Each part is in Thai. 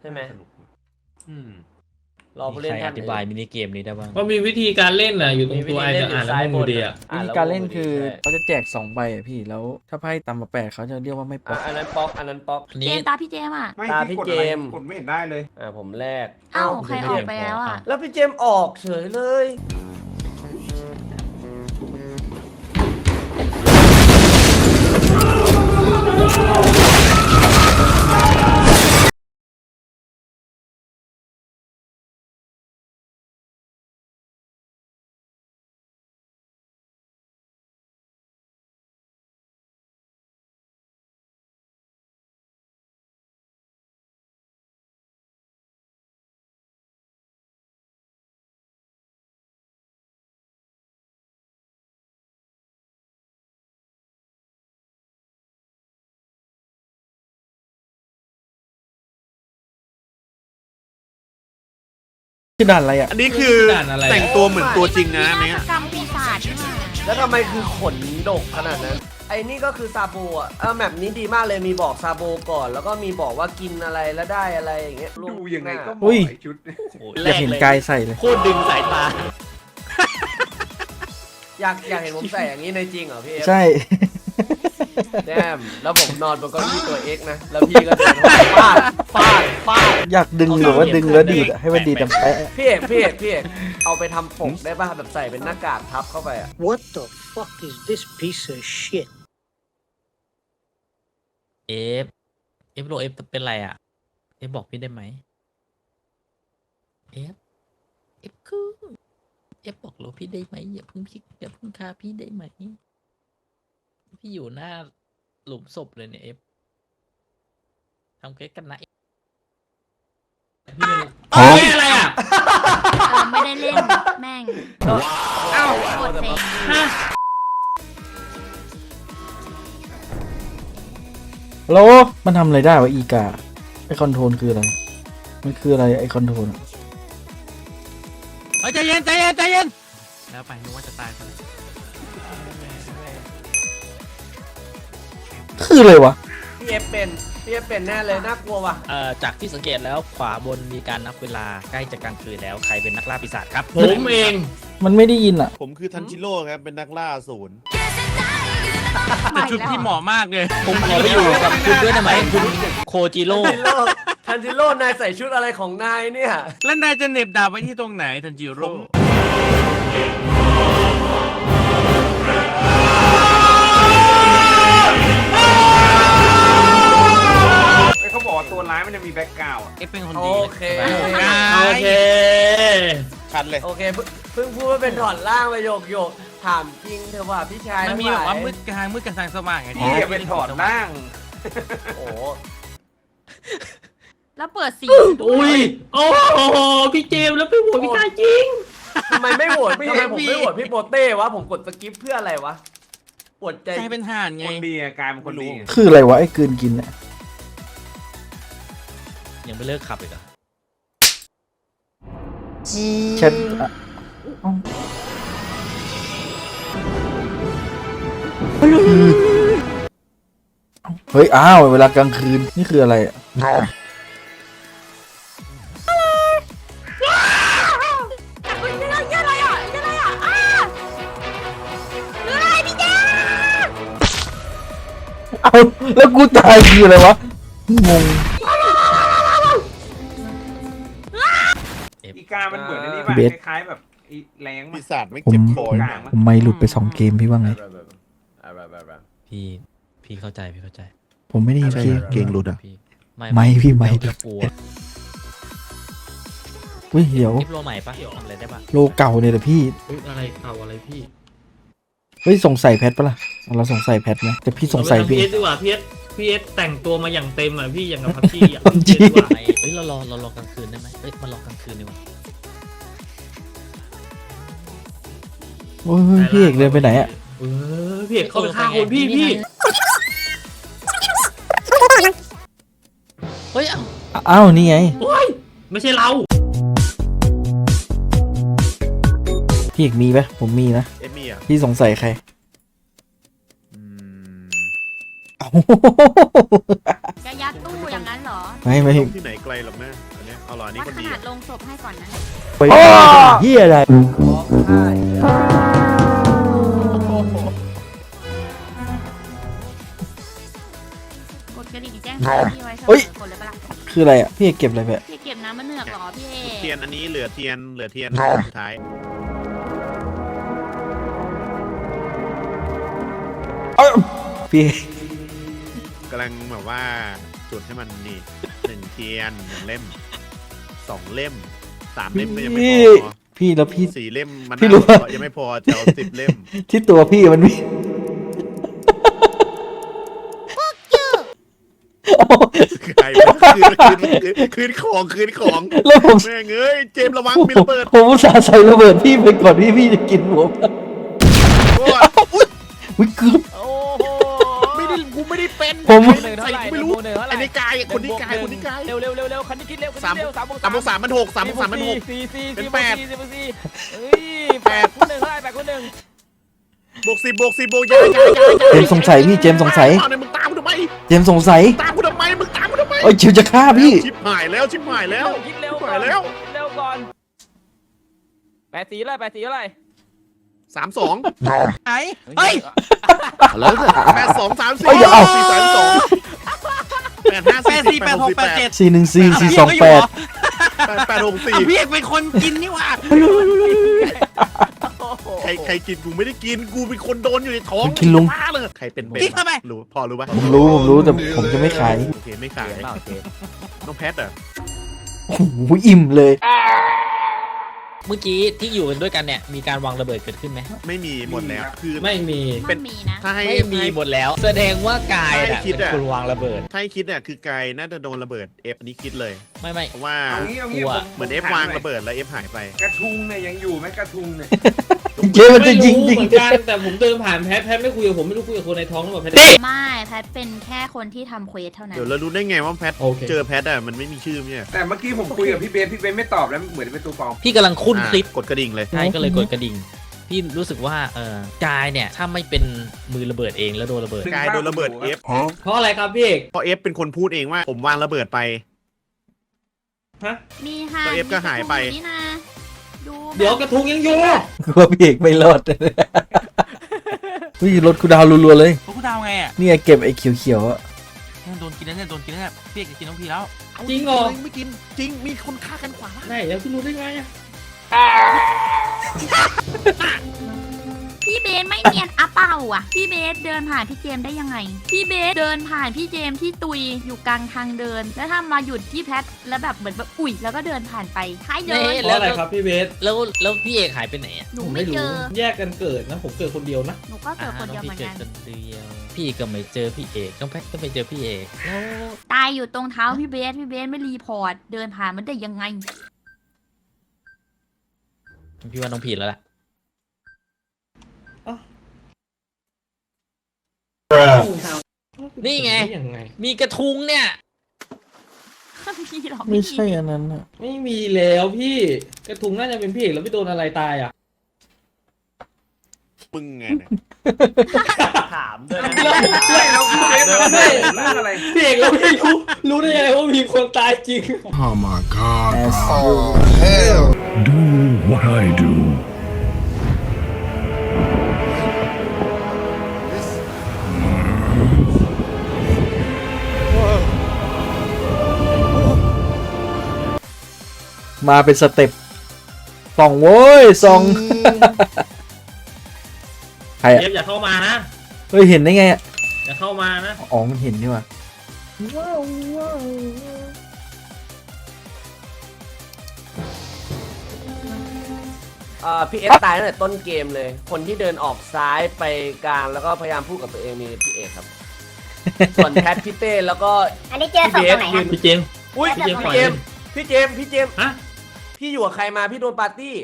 ใช่ไหมอืมรอผู้เล่นใครท่าอน ธิบายมินิเกมนี้ได้บ้างก็มีวิธีการเล่นน่ะอยู่ตรงตัวไอ้มีวิธีจะเล่นอ่านแล้วงงอยู่ดีอ่ะอ่วิธีแล้วการเล่นคือใช่เขาจะแจก2 ใบอะพี่แล้วถ้าไพ่ต่ำกว่า8เขาจะเรียกว่าไม่ป๊อกอันนั้นป๊อกอันนั้นป๊อกอันเจนี้มส์ตาพี่เจมส์อ่ะไม่ตาพี่พี่กดอะไรเจมส์กดไม่เห็นได้เลยผมแรกเอ้าใครออกไปแล้วอ่ะแล้วพี่เจมส์ออกเฉยเลยคือด่านอะไรอ่ะอันนี้คือด่านอะไรแต่งตัวเหมือนตัวจริงนะอันนาเนี้ยฏกรรมปีศาจนี่มาแล้วทำไมคือขนดกขนาดนั้น ไอ้นี่ก็คือซาโบอ่ะแมปนี้ดีมากเลยมีบอกซาโบก่อน แล้วก็มีบอกว่ากินอะไรแล้วได้อะไรอย่างเงี้ยดูยังไงก็เหอุ้มาะยไอ้ชุดอยากเห็นกายใส่เลยโคตรดึงสายตาอยากเห็นผมใส่อย่างนี้ในจริงเหรอพี่เอฟใช่แดมแล้วผมนอนบนเก้าอี้ตัวเอ็กนะแล้วพี่ก็เดินมาฟาดฟาดฟาดอยากดึงหรือว่าดึงแล้วดีดอะให้มันดีดแต่แปะพี่เอกเอาไปทำปกได้ป่ะแบบใส่เป็นหน้ากากทับเข้าไปอ่ะ What the fuck is this piece of shit? เอฟโลเอฟเป็นไรอ่ะเอฟบอกพี่ได้ไหมเอฟคือเอฟบอกโลพี่ได้ไหมอย่าเพิ่งฆ่าพี่ได้ไหมพี่อยู่หน้าหลุมศพเลยเนี่ยเอฟทำเก๊กกันนะอ๋ออะไรอ่ะไม่ได้เล่นแม่งเอ้าโคตรเซ็งโลมันทำอะไรได้วะอีกาไอคอนโทรลคืออะไรมันคืออะไรไอคอนโทรลใจเย็นแล้วไปนึกว่าจะตายซะแล้วคืออะไรวะพี่เอฟเป็นแน่เลยน่ากลัวว่ะจากที่สังเกตแล้วขวาบนมีการนับเวลาใกล้จะกลางคืนแล้วใครเป็นนักล่าปีศาจครับผมเองมันไม่ได้ยินอ่ะผมคือทันจิโร่ครับ เป็นนักล่าอสูรแต่ชุดพี่หมอผมขอไปอยู่กับคุณด้วยได้ไหมคุณโคจิโร่ทันจิโร่นายใส่ชุดอะไรของนายเนี่ยแล้วนายจะเหน็บดาบไว้ที่ตรงไหนทันจิโร่ไอ้เขาบอกว่าตัวร้ายมันจะมีแบ็กกราวด์อะเอฟเป็นคนโอดีเคโอเคคันเลยโอเคเพิ่งพูดว่าเป็นถอดล่างไปโยกถามจริงเถอะว่าพี่ชายมันมีแบบว่ามืดกลางมืดกับทางสว่างไงพี่อย่าเป็นถอดร่างโอ้แล้วเปิดสีอุ้ยโอ้โหพี่เจมส์แล้วพี่หัวพี่ตายจริงทำไมไม่โหวตทำไมผมไม่โหวตพี่โปเต้วะผมกดสกิปเพื่ออะไรวะปวดใจใจเป็นห่านไงคนดีอะกลายเป็นคนดีอะคืออะไรวะไอ้กลืนกินเนี่ยยังไม่เลิกขับอีกเหรอแชทอะเอ้าเฮ้ยอ้าวเวลากลางคืนนี่คืออะไรอะเฮ้ยอะไรอ่ะอ้าเฮ้ยพี่เจมส์เอาแล้วกูตายคืออะไรวะงงอีกามันเหมือนไอ้นี่ป่ะเบสคล้ายๆแบบไอ้แรงมัปีนศาจไม่เจ็บคอผมนะผมไม่หลุดไป2 เกมพี่ว่าไงพี่เข้าใจพี่เข้าใจผมไม่ได้ยินพี่เก่งหลุดอ่ะพี่ไม่พี่ไม่จะกลัวอุ้ยเดี๋ยวคลิปโลใหม่ปะทำอะไรได้ปะโลเก่าเนี่ยแหละพี่อะไรเก่าอะไรพี่เฮ้ยสงสัยแพทปะล่ะเราสงสัยแพทไหมแต่พี่สงสัยพี่พี่เอสดีกว่าพี่เอสแต่งตัวมาอย่างเต็มอ่ะพี่อย่างกับพับจี้อ่ะพับจี้พี่เอสดีกว่าเฮ้ยเรารอกลางคืนได้ไหมเฮ้ยมารอกลางคืนดีกว่าโอ้ยพี่เอกเดินไปไหนอะพี่เอกเข้าไปฆ่าคนพี่เฮ้ยเอ้าอ้าวนี่ไงโอ้ยไม่ใช่เราพี่เอกมีปะผมมีนะเอมี่อ่ะพี่สงสัยใครเอ้าจะยัดตู้อย่างนั้นเหรอไม่ที่ไหนไกลหรอกนะอันเนี้ยเอาหรออันนี้วัดคนขดีนาดลงศพให้ก่อนนะไปเฮียอะไรบอกได้กดกระดิ่งแจ้งพี่ไว้เสมอกดเลยปะล่ะคืออะไรอ่ะพี่เก็บอะไรแบบพี่เก็บน้ำมะเนือกเหรอพี่เอเทียนอันนี้เหลือเทียนสุดท้ายพี่กำลังแบบว่าจุดให้มันนี่1 เทียน 1 เล่ม 2 เล่ม 3 เล่มก็ยังไม่พอพี่แล้วพี่ 4 เล่มมันพี่รู้ยังไม่พอจะเอา10 เล่มที่ตัวพี่มันมีโอ้ใครคืนของแล้วผมแม่งเอ้ยเจมส์ระวังมีระเบิดผมอุตส่าห์ใส่ระเบิดพี่ไปก่อนที่พี่จะกินผมโอ้ยอุ๊ยวิเกือบโอ้โหกูไม่ได้เป็นผมใส่กูไม่รู้ไอ้นี่กายคนนี้กายเร็วคันนี้คิดเร็ว 3 บวก 3 มัน 6 3 บวก 3 มัน 6 เป็น8 เฮ้ย8 คูณ 1เท่าไหร่8 คูณ 1 บวก 10 บวก 10 บวกยายเจมส์สงสัยพี่เจมส์สงสัยเอาเนี่ยมึงตามกูทำไมเจมส์สงสัยตามกูทำไมมึงตามกูทำไมเอ้ยเจมส์จะฆ่าพี่ชิบหายแล้วคิดเร็วชิบก่อหายนแล้วเร็วก่อน8 4เท่าไหร่8 4เท่าไหร่ 32 ไหนเฮ้ย 82 34 เอ้ยเดี๋ยวเอา 4 3 2 8 5 8 4 8 6 8 7 414 428 8 6 4 พี่เอกเป็นคนกินนี่หว่าใครกินกูไม่ได้กินกูเป็นคนโดนอยู่ในท้องกินลุงบ้าเลยใครเป็นเบนกินทำไมรู้พอรู้ป่ะผมรู้แต่ผมจะไม่ขายโอเคไม่ขายน้องแพทเหรอโอ้โหอิ่มเลยเมื่อกี้ที่อยู่กันด้วยกันเนี่ยมีการวางระเบิดเกิดขึ้นไหมไม่มีหมดแล้วคือไม่มีเป็มัน นมีนะถ้าให้ไม่มีหมดแล้ว แสดงว่ากายให้น่ะคิดเป็นอะคนวางระเบิดถ้าให้คิดเนี่ยคือกายน่าจะโดนระเบิด F อันนี้คิดเลยไม่เพราะว่าเอางี้กลัวเหมือน F วางระเบิดแล้ว F หายไปกระทุงเนี่ยยังอยู่ไหมกระทุงเนี่ยเจมส์มันจะยิงไม่รู้ยิงเหมือนกันแต่ผมเดินผ่านแพทไม่คุยกับผมไม่รู้คุยกับคนในท้องหรือเปล่าแพทไม่แพทเป็นแค่คนที่ทำเควสเท่านั้นเดี๋ยวเรารู้ได้ไงว่าแพทโอเคเจอแพทอะมันไม่มีชื่อเนี่ยแต่เมื่อกี้ผมคุยกับพี่เบนไม่ตอบแล้วเหมือนเป็นตัวปลอมพี่กำลังคุ้นคลิปกดกระดิ่งเลยใช่ก็เลยกดกระดิ่ง พี่รู้สึกว่ากายเนี่ยถ้าไม่เป็นมือระเบิดเองแล้วโดนระเบิดกายโดนระเบิด F เพราะอะไรครับพี่เอกเพราะ F เป็นคนพูดเองว่าผมวางระเบิดไปมีค่ะแล้ว F ก็หายไปมีนี่นะดูเดี๋ยวกระทุงยังอยู่กลัวพี่เอกไม่รอดวิ่งรถกูดาวรัวๆเลยพวกกูดาวไงอ่ะนี่ไงเก็บไอ้เขียวๆอ่ะโดนกินแล้วเนี่ยโดนกินแล้วเนี่ยพี่เอกจะกินน้องพี่แล้วจริงเหรอไม่กินจริงมีคนฆ่ากันขวาไหนแล้วพี่รู้ได้ไงอะพี่เบสไม่เนียนอะเปล่าอ่ะ พี่เบสเดินผ่านพี่เจมส์ได้ยังไง พี่เบสเดินผ่านพี่เจมส์ที่ตุยอยู่กลางทางเดิน แล้วถ้ามาหยุดที่แพทแล้วแบบเหมือนแบบอุ๊ยแล้วก็เดินผ่านไปท้ายเดินเพราะอะไรครับพี่เบสแล้วพี่เอกหายไปไหนอ่ะหนูผมไม่ไม่เจรู้อแยกกันเกิดนะผมเกิดคนเดียวนะหนูก็เกิดคนเดียวเหมือนพี่กันเกิดคนเดียวพี่ก็ไม่เจอพี่เอกน้องแพทก็ไม่เจอพี่เอกแล้วตายอยู่ตรงเท้าพี่เบสไม่รีพอร์ตเดินผ่านมันได้ยังไงพี่ว่าน้องผิดแล้วล่ะ นี่ไงยังไงมีกระทุงเนี่ยพี่หรอกไม่ใช่อันนั้นอ่ะไม่มีแล้วพี่กระทุงน่าจะเป็นพี่เอกแล้วไม่โดนอะไรตายอ่ะมึงไงเนี่ยถามด้วยไม่แล้วพี่เบนมาเรื่องอะไรพี่เอกเราไม่รู้ได้ยังไงว่ามีคนตายจริง Oh my god. As Do what I do. มาเป็นสเต็ปส่องโว้ยส่องใครอ่ะเจฟอย่าเข้ามานะเฮ้ยเห็นได้ไงอ่ะอย่าเข้ามานะอ๋อมันเห็นนี่ว่ะพี่เอสตายตั้งแต่ต้นเกมเลย คนที่เดินออกซ้ายไปกลางแล้วก็พยายามพูดกับตัวเองมีพี่เอกครับ ส่วนแพทพี่เต้แล้วก็อันนี้เจอศพตรงไหนครับพี่เจมส์อุ้ยพี่พี่เจมส์เจมส์พี่เจมส์ฮะพี่อยู่กับใครมาพี่โดนปาร์ตี้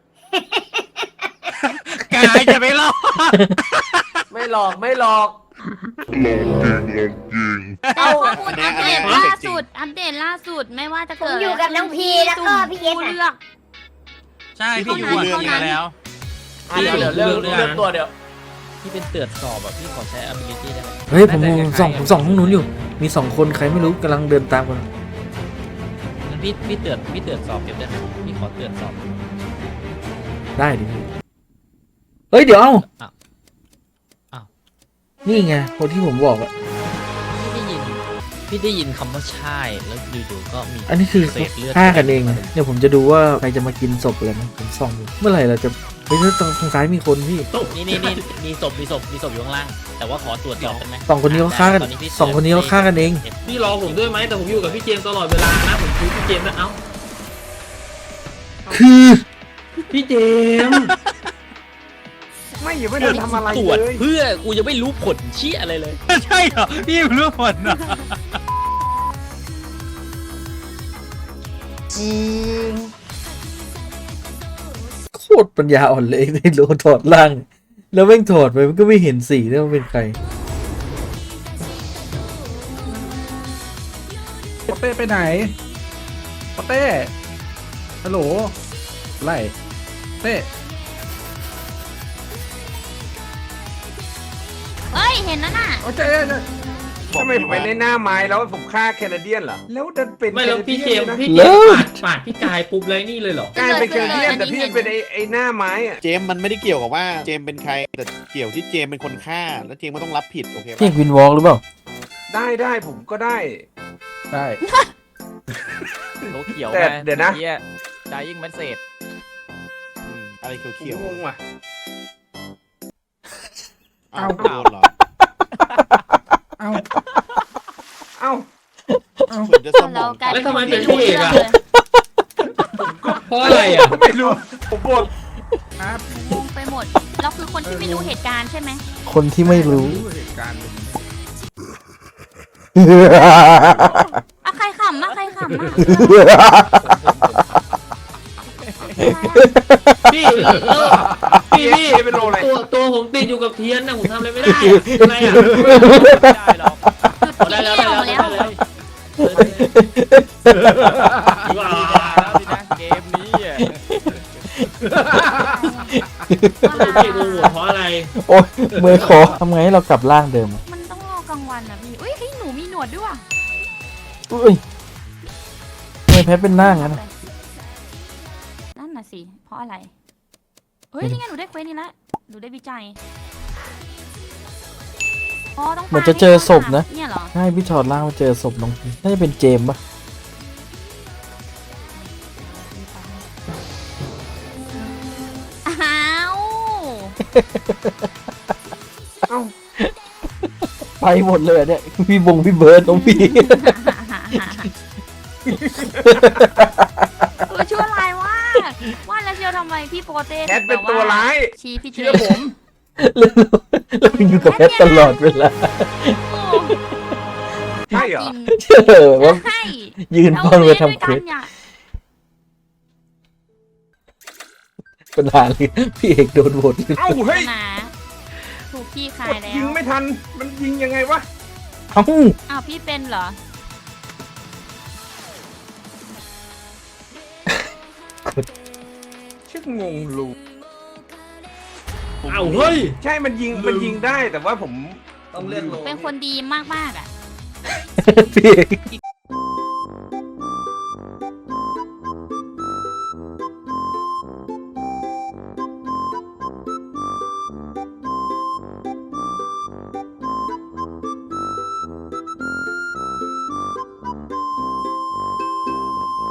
กายจะไม่รอดไม่หลอกไม่หลอกแต่ข้อมูลอัปเดตล่าสุดไม่ว่าจะเกิดผมอยู่กับน้องพีแล้วก็พี่เอสผู้อะเลือกใช่พี่อยู่เท่านั้นเรื่องนี้แล้วเดี๋ยวเรื่องตัวเดี๋ยวพพี่เป็นเตือนสอบแบบพี่ขอใช้ ability ได้ไหมเฮ้ยผมส่องห้องนู้นอยู่มี2 คนใครไม่รู้กำลังเดินตามกันงั้นพี่เตือนสอบเก็บได้ไหมพี่ขอเตือนสอบได้ดิเฮ้ยเดี๋ยวเอ้าอ้าวนี่ไงคนที่ผมบอกอะพี่ได้ยินคำว่าใช่แล้วอยู่ๆก็มีอันนี้คือเศษเลือดฆ่ากันเองนะเดี๋ยวผมจะดูว่าใครจะมากินศพอะไรนะผมส่องอยู่เมื่อไหร่เราจะเฮ้ยตรงซ้ายมีคนพี่นี่มีศพอยู่ข้างล่าง แต่ว่าขอตรวจสอบได้ไหม 2 คนนี้เขาฆ่ากันตอพี่ 2 คนนี้เขาฆ่ากันเองพี่รอผมด้วยไหมแต่ผมอยู่กับพี่เจมส์ตลอดเวลานะผมคุยพี่เจมส์นะเอ้าคือพี่เจมส์ไม่อย่าไม่ได้ทำอะไรตรวจเลยเพื่อกูยังไม่รู้ผลเชี่ยอะไรเลยใช่เหรอพี่เรื่องผลนะโคตรปัญญาอ่อนเลยในโลถอดล่าง แล้วแม่งถอดไปมันก็ไม่เห็นสีแล้วมันเป็นใครปอเต้ไปไหนปอเต้ฮัลโหลไล่เต้เฮ้ย เห็นแล้วน่ะโอ้ยทำไมผมไปในหน้าไม้แล้วผมฆ่าแคนาเดียนเหรอแล้วดันเป็นไม่แล้วพี่เจมส์นะพี่เจมส์ปาดพี่กายปุ๊บเลยนี่เลยเหรอกลายเป็นแคนาเดียนแต่พี่เป็นไอ้หน้าไม้อะเจมส์มันไม่ได้เกี่ยวกับว่าเจมส์เป็นใครแต่เกี่ยวที่เจมส์เป็นคนฆ่าแล้วเจมส์ก็ต้องรับผิดโอเคพี่ปะวินวอล์กหรือเปล่าได้ผมก็ได้ได้โลเขียวแต่เดี๋ยวนะดายิ่งมันเศษอะไรเขียวงงว่ะๆอ้าวโดนเหรอเอาเอ้าเหมือนจะสมเราองกลายแล้วทำไมคเป็นที่พี่เอกอะรู้รื่งลยเพราะอะไรอ่ะไม่รู้ผมบ่นครับงงไปหมด เราคือคนที่ไม่รู้เหตุการณ์ใช่ไหมคนที่ไม่รู้เหตุการณ์อะใครขำอะใครขำอะพี่พี่เป็นโรอะไรตัวผมติดอยู่กับเทียนนะผมทำอะไรไม่ได้อะอะไรอ่ะไม่ได้หรอกจุดได้ที่แล้วเที่ยวแล้วว้าแล้วสินะเกมนี้อ่ะพี่โมโหเพราะอะไรโอ้ยมือขอทำไงให้เรากลับร่างเดิมอะมันต้องรอกลางวันอะพี่อุ้ยเฮ้ยหนูมีหนวดด้วยว่ะอุ้ยทำไมแพ้เป็นหน้างั้นอะนั่นน่ะสิ เพราะอะไร เฮ้ยนี่ไงหนูได้เควสนี่ละหนูได้วิจัยอ๋อต้องเหมือนจะเจอศพนะเนี่ยเหรอใช่พี่ถอดร่างมาเจอศพน้องน่าจะเป็นเจมส์ปะอ้าวเอ้าไปหมดเลยอะเนี่ยพี่เบิร์ดน้องพี่ตัวชั่วร้ายว่าว่าแล้วเชียวทำไมพี่โปเต้แคทเป็นตัวร้ายชี้พี่เจเชื่อผมแล้วอยู่กับแพทตลอดเวลาใช่เหรอเชื่อว่าใช่ยืนป้อนไปทำเควสเนี่ยปัญหาเลยพี่เอกโดนโหวตเอ้าเฮ้ยนะถูกพี่คาก ยดแล้วยิงไม่ทันมันยิงยังไงวะเอ้าอ้าวพี่เป็นเหรอชื่องงลูเอ้าเฮ้ยใช่มันยิงได้แต่ว่าผมต้องเลือกโลเป็นคนดีมากๆอ่ะพี่เอก